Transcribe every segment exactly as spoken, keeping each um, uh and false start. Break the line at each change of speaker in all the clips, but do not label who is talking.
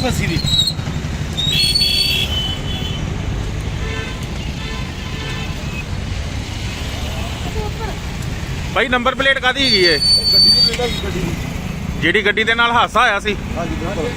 ਲੱਸੀ ਦੀ। ਭਾਈ number plate ਕਾਦੀ ਹੈਗੀ ਏ?
ਗੱਡੀ ਦੀ ਪਲੇਟ ਹੈ ਗੱਡੀ ਦੀ,
ਜਿਹੜੀ ਗੱਡੀ ਦੇ ਨਾਲ ਹਾਦਸਾ ਹੋਇਆ ਸੀ।
ਹਾਂਜੀ ਬਿਲਕੁਲ।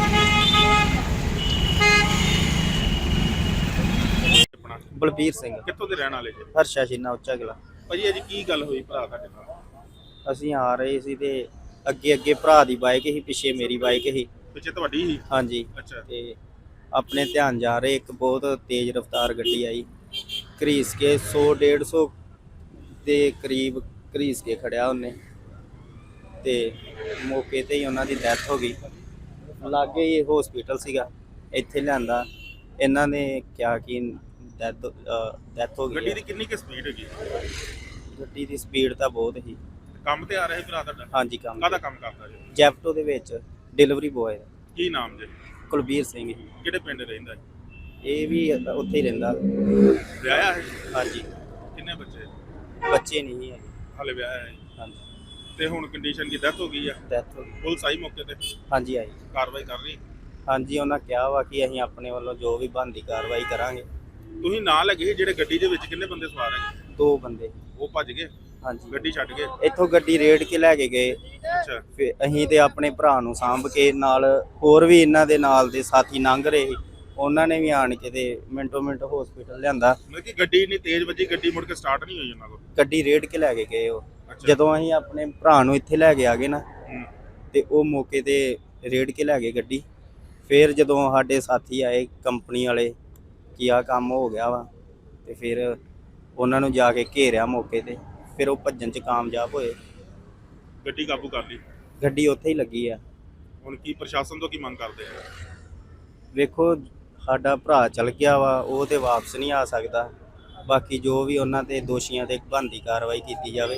ਆਪਣਾ
ਬਲਬੀਰ ਸਿੰਘ,
ਕਿੱਥੋਂ ਦੇ ਰਹਿਣ ਵਾਲੇ ਜੀ?
ਹਰਸ਼ਾ ਸ਼ੀਨਾ ਉੱਚਾ ਕਿਲਾ।
ਭਾਜੀ ਅੱਜ ਕੀ ਗੱਲ ਹੋਈ ਭਰਾ ਤੁਹਾਡੇ ਨਾਲ?
ਅਸੀਂ ਆ ਰਹੇ ਸੀ ਤੇ ਅੱਗੇ ਅੱਗੇ ਭਰਾ ਦੀ ਬਾਈਕ ਸੀ, ਪਿੱਛੇ ਮੇਰੀ ਬਾਈਕ ਸੀ।
ਪਿੱਛੇ ਤੁਹਾਡੀ ਸੀ?
ਹਾਂਜੀ।
ਅੱਛਾ।
ਤੇ ਆਪਣੇ ਧਿਆਨ ਜਾ ਰਹੇ ਇੱਕ ਬਹੁਤ ਤੇਜ਼ ਰਫ਼ਤਾਰ ਗੱਡੀ ਆਈ, ਘਰੀਸ ਕੇ ਸੌ ਡੇਢ ਸੌ ਦੇ ਕਰੀਬ ਘਰੀਸ ਕੇ ਖੜਿਆ ਉਹਨੇ, ਤੇ ਮੌਕੇ ਤੇ ਹੀ ਉਹਨਾਂ ਦੀ ਡੈਥ ਹੋ ਗਈ। ਲਾਗੇ ਹੀ ਹਸਪੀਟਲ ਸੀਗਾ, ਇੱਥੇ ਲਿਆਂਦਾ। ਇਹਨਾਂ ਨੇ ਕਿਹਾ ਕਿ ਡੈਥ ਡੈਥ ਹੋ ਗਈ
ਗੱਡੀ
ਹੈ।
ਦੀ ਕਿੰਨੀ ਕੁ ਸਪੀਡ ਹੈਗੀ?
ਗੱਡੀ ਦੀ ਸਪੀਡ ਤਾਂ ਬਹੁਤ ਸੀ।
ਕੰਮ ਤੇ ਆ ਰਿਹਾ ਸੀ ਭਰਾ ਤੁਹਾਡਾ?
ਹਾਂਜੀ, ਕੰਮ
ਕਾਹਦਾ ਕੰਮ ਕਰਦਾ ਜੀ?
ਜੈਪਟੋ ਦੇ ਵਿੱਚ ਡਿਲੀਵਰੀ ਬੋਏ।
ਕੀ ਨਾਮ ਜੀ?
ਕੁਲਬੀਰ ਸਿੰਘ ਜੀ।
ਕਿਹੜੇ ਪਿੰਡ ਰਹਿੰਦਾ ਜੀ?
ਇਹ ਵੀ ਉੱਥੇ ਹੀ ਰਹਿੰਦਾ।
ਵਿਆਹਿਆ ਹੈ?
ਹਾਂਜੀ।
ਕਿੰਨੇ ਬੱਚੇ?
ਬੱਚੇ ਨਹੀਂ ਹੈ।
ਹਾਲੇ ਵਿਆਹਿਆ ਹੈ?
ਹਾਂਜੀ।
ਤੇ ਹੁਣ ਕੰਡੀਸ਼ਨ ਕੀ, ਡੈਥ ਹੋ ਗਈ ਆ?
ਡੈਥ ਹੋ ਗਈ।
ਪੁਲਿਸ ਆਈ ਮੌਕੇ ਤੇ?
ਹਾਂਜੀ ਆਈ।
ਕਾਰਵਾਈ ਕਰ ਰਹੀ?
ਹਾਂਜੀ, ਉਹਨਾਂ ਕਿਹਾ ਵਾ ਕਿ ਅਸੀਂ ਆਪਣੇ ਵੱਲੋਂ ਜੋ ਵੀ ਬਣਦੀ ਕਾਰਵਾਈ ਕਰਾਂਗੇ।
ਤੁਸੀਂ ਨਾਲ ਲੱਗੇ ਜਿਹੜੇ ਗੱਡੀ ਦੇ ਵਿੱਚ ਕਿੰਨੇ ਬੰਦੇ ਸਵਾਰ ਹੈਗੇ?
ਦੋ ਬੰਦੇ।
ਉਹ ਭੱਜ ਗਏ?
ਹਾਂਜੀ।
ਗੱਡੀ ਛੱਡ ਗਏ?
ਇੱਥੋਂ ਗੱਡੀ ਰੇੜ ਕੇ ਲੈ ਕੇ ਗਏ।
ਅੱਛਾ।
ਫਿਰ ਅਸੀਂ ਤੇ ਆਪਣੇ ਭਰਾ ਨੂੰ ਸਾਂਭ ਕੇ, ਨਾਲ ਹੋਰ ਵੀ ਇਹਨਾਂ ਦੇ ਨਾਲ ਦੇ ਸਾਥੀ ਲੰਘ ਰਹੇ ਸੀ, ਉਹਨਾਂ ਨੇ ਵੀ ਆਣ ਕੇ ਤੇ ਮਿੰਟੋ ਮਿੰਟ ਹਸਪੀਟਲ ਲਿਆਂਦਾ।
ਮਤਲਬ ਕਿ ਗੱਡੀ ਇੰਨੀ ਤੇਜ਼ ਵੱਜੀ, ਗੱਡੀ ਮੁੜ ਕੇ ਸਟਾਰਟ ਨਹੀਂ ਹੋਈ ਉਹਨਾਂ ਕੋਲ?
ਗੱਡੀ ਰੇੜ ਕੇ ਲੈ ਕੇ ਗਏ ਉਹ।
ਅੱਛਾ।
ਜਦੋਂ ਅਸੀਂ ਆਪਣੇ ਭਰਾ ਨੂੰ ਇੱਥੇ ਲੈ ਕੇ ਆ ਗਏ ਨਾ,
ਹੂੰ।
ਤੇ ਉਹ ਮੌਕੇ ਤੇ ਰੇੜ ਕੇ ਲੈ ਗਏ ਗੱਡੀ। ਫਿਰ ਜਦੋਂ ਸਾਡੇ ਸਾਥੀ ਆਏ ਕੰਪਨੀ ਵਾਲੇ ਕਿ ਆਹ ਕੰਮ ਹੋ ਗਿਆ ਵਾ, ਤੇ ਫਿਰ ਉਹਨਾਂ ਨੂੰ ਜਾ ਕੇ ਘੇਰਿਆ ਮੌਕੇ ਤੇ, ਫਿਰ ਉਹ ਭੱਜਣ 'ਚ ਕਾਮਯਾਬ ਹੋਏ।
ਗੱਡੀ ਕਾਬੂ ਕਰ ਲਈ?
ਗੱਡੀ ਉੱਥੇ ਹੀ ਲੱਗੀ ਆ।
ਹੁਣ ਕੀ ਪ੍ਰਸ਼ਾਸਨ ਤੋਂ ਕੀ ਮੰਗ ਕਰਦੇ ਆ?
ਵੇਖੋ, ਸਾਡਾ ਭਰਾ ਚਲ ਗਿਆ ਵਾ, ਉਹ ਤੇ ਵਾਪਸ ਨਹੀਂ ਆ ਸਕਦਾ। ਬਾਕੀ ਜੋ ਵੀ ਉਹਨਾਂ ਤੇ ਦੋਸ਼ੀਆਂ ਤੇ ਬਣਦੀ ਕਾਰਵਾਈ ਕੀਤੀ ਜਾਵੇ।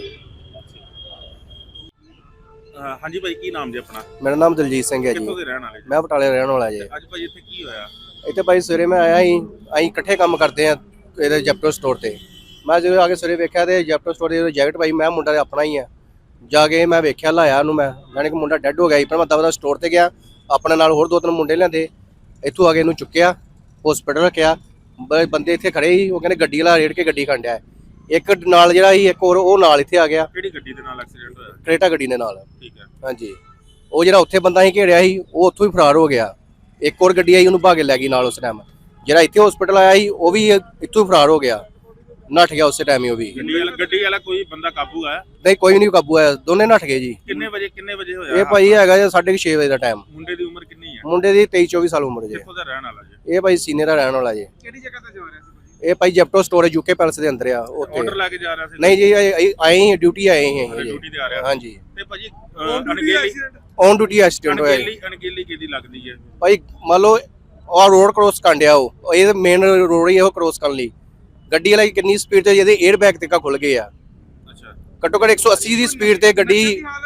ਅਹ ਹਾਂਜੀ ਭਾਈ, ਕੀ ਨਾਮ ਜੀ ਆਪਣਾ?
ਮੇਰਾ ਨਾਮ ਦਲਜੀਤ ਸਿੰਘ ਹੈ ਜੀ।
ਕਿੱਥੋਂ ਦੇ ਰਹਿਣ ਵਾਲੇ ਜੀ?
ਮੈਂ ਬਟਾਲੇ ਰਹਿਣ ਵਾਲਾ ਜੀ।
ਅੱਜ ਭਾਈ ਇੱਥੇ ਕੀ ਹੋਇਆ?
ਇੱਥੇ ਭਾਈ ਸਵੇਰੇ ਮੈਂ ਆਇਆ ਸੀ, ਅਸੀਂ ਇਕੱਠੇ ਕੰਮ ਕਰਦੇ ਆ ਇਹਦੇ ਜੈਪਟੋ ਸਟੋਰ ਤੇ। ਮੈਂ ਜਦੋਂ ਆ ਕੇ ਸਵੇਰੇ ਵੇਖਿਆ ਤੇ ਜੈਪਟੋ ਸਟੋਰ ਦੀ ਜੈਕਟ ਭਾਈ, ਮੈਂ ਮੁੰਡਾ ਆਪਣਾ ਹੀ ਆ। ਜਾ ਕੇ ਮੈਂ ਵੇਖਿਆ, ਲਾਇਆ ਉਹਨੂੰ ਮੈਂ, ਜਾਣੀ ਕਿ ਮੁੰਡਾ ਡੈੱਡ ਹੋ ਗਿਆ ਸੀ। ਪਰ ਮੈਂ ਦਵਾ ਦਾ ਸਟੋਰ ਤੇ ਗਿਆ, ਆਪਣੇ ਨਾਲ ਹੋਰ ਦੋ ਤਿੰਨ ਮੁੰਡੇ ਲਿਆਂਦੇ, ਇੱਥੋਂ ਆ ਕੇ ਇਹਨੂੰ ਚੁੱਕਿਆ, ਹਸਪੀਟਲ ਰੱਖਿਆ। ਬੰਦੇ ਇੱਥੇ ਖੜੇ ਸੀ, ਉਹ ਕਹਿੰਦੇ ਗੱਡੀ ਵਾਲਾ ਰੇੜ ਕੇ ਗੱਡੀ ਖੰਡਿਆ। ਇੱਕ ਨਾਲ ਜਿਹੜਾ ਸੀ, ਇੱਕ ਹੋਰ ਉਹ ਨਾਲ ਇੱਥੇ ਆ ਗਿਆ।
ਕਿਹੜੀ ਗੱਡੀ ਦੇ ਨਾਲ ਐਕਸੀਡੈਂਟ ਹੋਇਆ?
ਕਰੇਟਾ ਗੱਡੀ ਦੇ ਨਾਲ।
ਠੀਕ ਹੈ।
ਹਾਂਜੀ। ਉਹ ਜਿਹੜਾ ਉੱਥੇ ਬੰਦਾ ਸੀ ਘੇੜਿਆ ਸੀ, ਉਹ ਉੱਥੋਂ ਹੀ ਫਰਾਰ ਹੋ ਗਿਆ। ਇੱਕ ਹੋਰ ਗੱਡੀ ਆਈ, ਉਹਨੂੰ ਭਾਗੇ ਲੈ ਗਈ ਨਾਲ ਉਸ ਟਾਈਮ। ਜਿਹੜਾ ਇੱਥੇ ਹਸਪੀਟਲ ਆਇਆ ਸੀ, ਉਹ ਵੀ ਇੱਥੋਂ ਹੀ ਫਰਾਰ ਹੋ ਗਿਆ, ਨੱਠ ਗਿਆ ਉਸੇ ਟਾਈਮ ਹੀ। ਉਹ ਵੀ
ਗੱਡੀ ਵਾਲਾ ਗੱਡੀ ਵਾਲਾ ਕੋਈ ਬੰਦਾ ਕਾਬੂ ਆਇਆ?
ਨਹੀਂ, ਕੋਈ ਨਹੀਂ ਕਾਬੂ ਆਇਆ, ਦੋਨੇ ਨੱਠ ਗਏ ਜੀ।
ਕਿੰਨੇ ਵਜੇ ਕਿੰਨੇ ਵਜੇ ਹੋਇਆ?
ਇਹ ਭਾਈ ਹੈਗਾ ਜੀ ਸਾਢੇ ਛੇ ਵਜੇ ਦਾ ਟਾਈਮ।
ਮੁੰਡੇ ਦੀ ਉਮਰ ਕਿੰਨੀ ਹੈ?
ਮੁੰਡੇ ਦੀ ਤੇਈ ਚੌਵੀ ਸਾਲ ਉਮਰ ਜੀ।
ਕਿੱਥੋਂ ਦਾ ਰਹਿਣ ਵਾਲਾ ਜੀ?
ਇਹ ਭਾਈ ਸੀਨੀਅਰ ਦਾ ਰਹਿਣ ਵਾਲਾ ਜੀ।
ਕਿਹੜੀ ਜਗ੍ਹਾ ਤੇ ਜਾ ਰਿਹਾ ਸੀ?
ਇਹ ਭਾਈ ਜੈਪਟੋ ਸਟੋਰ ਯੂਕੇ ਪੈਲਸ ਦੇ ਅੰਦਰ ਆ ਉੱਥੇ।
ਆਰਡਰ ਲੈ ਕੇ ਜਾ ਰਿਹਾ ਸੀ?
ਨਹੀਂ ਜੀ, ਆਏ ਹੀ ਡਿਊਟੀ ਆਏ ਹੀ ਹੈ ਜੀ।
ਡਿਊਟੀ ਤੇ ਆ ਰਿਹਾ?
ਹਾਂਜੀ।
ਤੇ ਭਾਜੀ ਅਣਗਹਿਲੀ
ਔਨ ਡਿਊਟੀ ਐਕਸੀਡੈਂਟ ਹੋਇਆ ਜੀ।
ਅਣਗਹਿਲੀ ਅਣਗਹਿਲੀ ਕਿਹਦੀ ਲੱਗਦੀ ਹੈ
ਭਾਈ? ਮੰਨ ਲਓ ਉਹ ਰੋਡ ਕ੍ਰੋਸ ਕਰਨ ਡਿਆ, ਉਹ ਇਹ ਮੇਨ ਰੋਡ ਹੀ ਉਹ ਕ੍ਰੋਸ ਕਰਨ ਲਈ। ਗੱਡੀ ਵਾਲਾ ਕਿੰਨੀ ਸਪੀਡ ਤੇ, ਜਿਹਦੇ 에ਅਰ ਬੈਗ ਤੱਕ ਖੁੱਲ ਗਏ ਆ।
ਅੱਛਾ।
ਘੱਟੋ ਘੱਟ ਇੱਕ ਸੌ ਅੱਸੀ ਦੀ ਸਪੀਡ ਤੇ ਗੱਡੀ।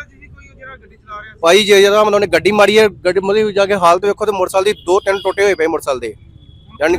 ਭਾਈ ਜੇ ਜਦੋਂ ਮਤਲਬ ਗੱਡੀ ਮਾਰੀ ਹੈ, ਗੱਡੀ ਮਤਲਬ ਜਾ ਕੇ ਹਾਲਤ ਵੇਖੋ ਤੇ ਮੋਟਰਸਾਈਕਲ ਦੀ ਦੋ ਤਿੰਨ ਟੁੱਟੇ ਹੋਏ ਪਏ ਮੋਟਰਸਾਈਕਲ ਦੇ। ਯਾਨੀ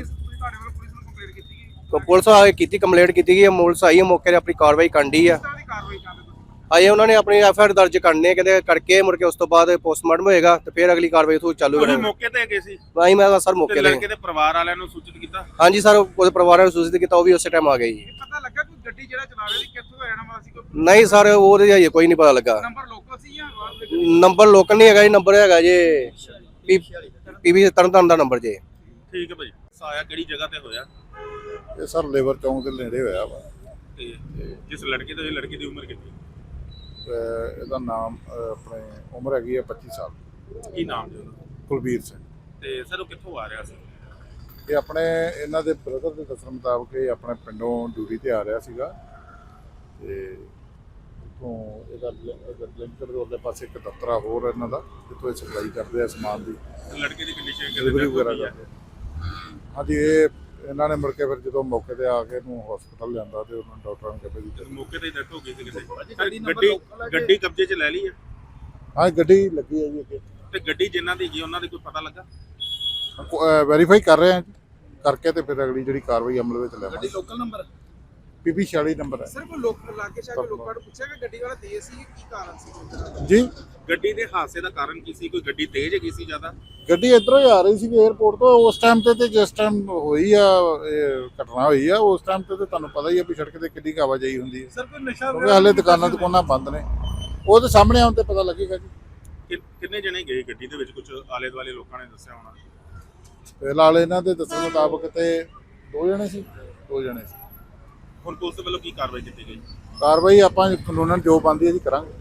ਪੁਲਿਸ ਆ ਕੇ ਕੀਤੀ, ਕੰਪਲੇਂਟ ਕੀਤੀ ਗਈ ਹੈ। ਪੁਲਿਸ ਆਈ ਹੈ ਮੌਕੇ ਤੇ, ਆਪਣੀ ਕਾਰਵਾਈ ਕਰਨੀ ਆ। ਆਏ ਉਹਨਾਂ ਨੇ ਆਪਣੀ ਐਫ ਆਈ ਆਰ ਦਰਜ ਕਰਨੇ, ਕਹਿੰਦੇ ਕਰਕੇ ਮੁੜ ਕੇ ਉਸ ਤੋਂ ਬਾਅਦ ਪੋਸਟਮਾਰਟਮ ਹੋਏਗਾ ਤੇ ਫਿਰ ਅਗਲੀ ਕਾਰਵਾਈ ਤੋਂ ਚਾਲੂ
ਤੁਸੀਂ
ਕਰਾਂਗੇ।
ਮੌਕੇ ਤੇ ਗਏ ਸੀ?
ਭਾਈ ਮੈਂ ਸਰ
ਤੇ
ਮੌਕੇ ਤੇ।
ਲੜਕੇ ਦੇ ਪਰਿਵਾਰ ਵਾਲਿਆਂ ਨੂੰ ਸੂਚਿਤ ਕੀਤਾ?
ਹਾਂਜੀ ਸਰ, ਉਹਦੇ ਪਰਿਵਾਰ ਨੂੰ ਸੂਚਿਤ ਕੀਤਾ, ਉਹ ਵੀ ਉਸੇ ਟਾਈਮ ਆ ਗਏ ਜੀ।
ਪਤਾ ਲੱਗਾ ਕੋਈ ਗੱਡੀ ਜਿਹੜਾ ਚਲਾ ਰਿਹਾ ਸੀ ਕਿੱਥੋਂ ਦਾ ਰਹਿਣ ਵਾਲਾ ਸੀ? ਕੋਈ
ਨਹੀਂ ਸਰ, ਉਹਦੇ ਹਜੇ ਕੋਈ ਨਹੀਂ ਪਤਾ ਲੱਗਾ।
ਨੰਬਰ ਲੋਕਲ ਸੀ ਜਾਂ
ਨੰਬਰ ਲੋਕਲ ਨਹੀਂ ਹੈਗਾ ਜੀ, ਨੰਬਰ ਹੈਗਾ ਜੀ ਪੀਵੀ ਤਰਨਤਾਰਨ ਦਾ ਨੰਬਰ ਜੀ।
ਠੀਕ ਹੈ ਭਾਈ। ਸਾਇਆ ਕਿਹੜੀ ਜਗ੍ਹਾ ਤੇ ਹੋਇਆ?
ਇਹ ਸਰ ਲੇਬਰ ਚੌਂਕ ਦੇ ਨੇੜੇ ਹੋਇਆ ਵਾ।
ਤੇ ਜਿਸ ਲੜਕੇ ਤੋਂ, ਇਹ ਲੜਕੀ ਦੀ ਉਮਰ ਕਿੰਨੀ?
ਤੇ ਇਹਦਾ ਨਾਮ ਅਹ, ਆਪਣੇ ਉਮਰ ਹੈਗੀ ਹੈ ਪੱਚੀ ਸਾਲ।
ਕੀ ਨਾਮ ਜੀ ਉਹਦਾ?
ਕੁਲਬੀਰ ਸਿੰਘ।
ਤੇ ਸਰ ਉਹ ਕਿੱਥੋਂ ਆ ਰਿਹਾ ਸੀ?
ਇਹ ਆਪਣੇ ਇਹਨਾਂ ਦੇ ਬ੍ਰਦਰ ਦੇ ਦੱਸਣ ਮੁਤਾਬਕ ਇਹ ਆਪਣੇ ਪਿੰਡੋਂ ਡਿਊਟੀ ਤੇ ਆ ਰਿਹਾ ਸੀਗਾ, ਤੇ ਉੱਥੋਂ ਇਹਦਾ ਲਿੰਕਰ ਦੇ ਉਹਦੇ ਪਾਸੇ ਇੱਕ ਦਫ਼ਤਰ ਆ ਹੋਰ ਇਹਨਾਂ ਦਾ, ਜਿੱਥੋਂ ਇਹ ਸਪਲਾਈ ਕਰਦੇ ਆ ਸਮਾਨ ਦੀ,
ਲੜਕੇ ਦੀ ਕੰਡੀਸ਼ਨ
ਡਿਲੀਵਰੀ ਵਗੈਰਾ ਕਰਦੇ। ਹਾਂਜੀ। ਇਹ ਇਹਨਾਂ ਨੇ ਮੁੜ ਕੇ ਫਿਰ ਜਦੋਂ ਮੌਕੇ ਤੇ ਆ ਕੇ ਇਹਨੂੰ ਹਸਪਤਾਲ ਲਿਆਂਦਾ ਤੇ ਉਹਨਾਂ ਡਾਕਟਰਾਂ ਨੇ ਕਿਹਾ ਜੀ
ਮੌਕੇ ਤੇ ਡੈਥ ਹੋ ਗਈ ਸੀ ਕਿਸੇ। ਗੱਡੀ ਗੱਡੀ ਕਬਜ਼ੇ 'ਚ ਲੈ ਲਈ ਹੈ?
ਹਾਂ, ਗੱਡੀ ਲੱਗੀ ਹੈ ਜੀ ਅੱਗੇ।
ਤੇ ਗੱਡੀ ਜਿਨ੍ਹਾਂ ਦੀ ਹੈਗੀ ਉਹਨਾਂ ਦੀ ਕੋਈ ਪਤਾ ਲੱਗਾ?
ਵੈਰੀਫਾਈ ਕਰ ਰਹੇ ਹਾਂ ਜੀ, ਕਰਕੇ ਤੇ ਫਿਰ ਅਗਲੀ ਜਿਹੜੀ ਕਾਰਵਾਈ ਅਮਲ ਵਿੱਚ ਲਿਆਵਾਂਗੇ।
Local number?
ਪੀਪੀ ਛਿਆਲੀ ਨੰਬਰ ਹੈ
ਸਰ ਕੋਈ ਲੋਕ ਇਲਾਕੇ ਸ਼ਾਹ ਕੇ ਲੋਕਾਂ ਨੂੰ ਪੁੱਛਿਆ ਕਿ ਗੱਡੀ ਵਾਲਾ ਤੇਜ਼ ਸੀ ਕੀ ਕਾਰਨ ਸੀ?
ਜੀ।
ਗੱਡੀ ਦੇ ਹਾਦਸੇ ਦਾ ਕਾਰਨ ਕੀ ਸੀ? ਕੋਈ ਗੱਡੀ ਤੇਜ਼ ਹੈਗੀ ਸੀ ਜ਼ਿਆਦਾ?
ਗੱਡੀ ਇੱਧਰੋਂ ਹੀ ਆ ਰਹੀ ਸੀ 에ਅਰਪੋਰਟ ਤੋਂ। ਉਸ ਟਾਈਮ ਤੇ ਤੇ ਜਿਸ ਟਾਈਮ ਹੋਈ ਆ ਇਹ ਘਟਨਾ ਹੋਈ ਆ ਉਸ ਟਾਈਮ ਤੇ ਤੇ ਤੁਹਾਨੂੰ ਪਤਾ ਹੀ ਆ ਵੀ ਸੜਕ ਤੇ ਕਿੰਨੀ ਕੁ ਆਵਾਜਾਈ ਹੁੰਦੀ ਹੈ।
ਸਰ ਕੋਈ ਨਸ਼ਾ
ਕਿਉਂਕਿ ਹਾਲੇ ਦੁਕਾਨਾਂ ਦੁਕਾਨਾਂ ਬੰਦ ਨੇ। ਉਹ ਤੇ ਸਾਹਮਣੇ ਆਉਣ ਤੇ ਪਤਾ ਲੱਗੇਗਾ ਜੀ।
ਕਿ- ਕਿੰਨੇ ਜਣੇ ਗਏ ਗੱਡੀ ਦੇ ਵਿੱਚ? ਕੁਝ ਆਲੇ ਦੁਆਲੇ ਲੋਕਾਂ ਨੇ ਦੱਸਿਆ ਹੋਣਾ।
ਫਿਲਹਾਲ ਇਹਨਾਂ ਦੇ ਦੱਸਣ ਮੁਤਾਬਕ ਤੇ ਦੋ ਜਣੇ ਸੀ ਦੋ ਜਣੇ ਸੀ
ਹੁਣ ਪੁਲਿਸ ਵੱਲੋਂ ਕੀ ਕਾਰਵਾਈ ਕੀਤੀ ਗਈ?
ਕਾਰਵਾਈ ਆਪਾਂ ਕਾਨੂੰਨਨ ਜੋ ਬਣਦੀ ਹੈ ਜੀ ਕਰਾਂਗੇ।